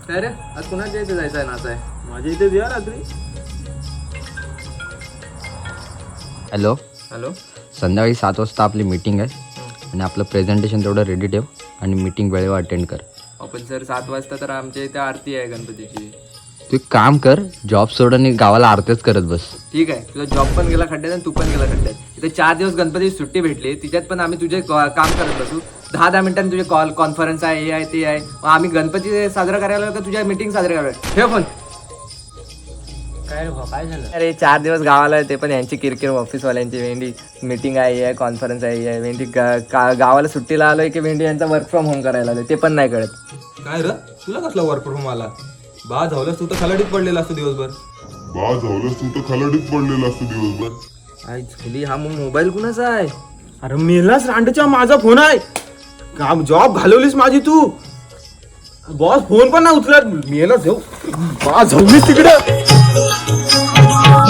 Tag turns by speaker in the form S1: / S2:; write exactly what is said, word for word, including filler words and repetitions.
S1: काय रे आज कुणाच्या इथे जायचं आहे नाचाय?
S2: माझ्या इथे या रात्री.
S3: हॅलो
S1: हॅलो
S3: संध्याकाळी सात वाजता आपली मीटिंग आहे आणि आपलं प्रेझेंटेशन तेवढं रेडी ठेव आणि मीटिंग वेळेवर अटेंड कर.
S1: आपण सर सात वाजता तर आमच्या इथे आरती आहे गणपतीची.
S3: तू एक काम कर, जॉब सोड आणि गावाला आरतीच करत बस.
S1: ठीक आहे, तुझा जॉब पण गेला खड्ड्यात आणि तू पण गेला खड्ड्यात. इथे चार दिवस गणपतीची सुट्टी भेटली, तिच्यात पण आम्ही तुझे क- काम करत बसू. दहा दहा मिनिटांनी तुझे कॉल कॉन्फरन्स आहे, हे आहे ते आहे. मग आम्ही गणपती साजरा करायला का तुझ्या मीटिंग साजरी करायला? ठेव फोन.
S2: काय रे भाऊ, काय झालं?
S1: अरे चार दिवस गावाला आहे, ते पण यांची किरकिर ऑफिसवाल्यांची. वेंडी मीटिंग आहे, हे आहे, कॉन्फरन्स आहे, हे आहे. वेंडी गा- का- गावाला सुट्टीला आलोय की वेंडी यांचा वर्क फ्रॉम होम करायला आलोय ते पण नाही कळत.
S4: काय र तुला कसला वर्क फ्रॉम आला? बा झावलंस तू तर खलाडीत पडलेला असतो दिवसभर.
S5: बा झावलंस तू तर खलाडीत पडलेला असतो दिवसभर.
S1: आई झाली, हा मग मोबाईल कुणाचा आहे?
S2: अरे मेलास रांडच्या, माझा फोन आहे. काम जॉब घालवलीस माझी तू. बॉस फोन पण नाही उचलत. मेलास जाऊ बा झावलीस तिकडे.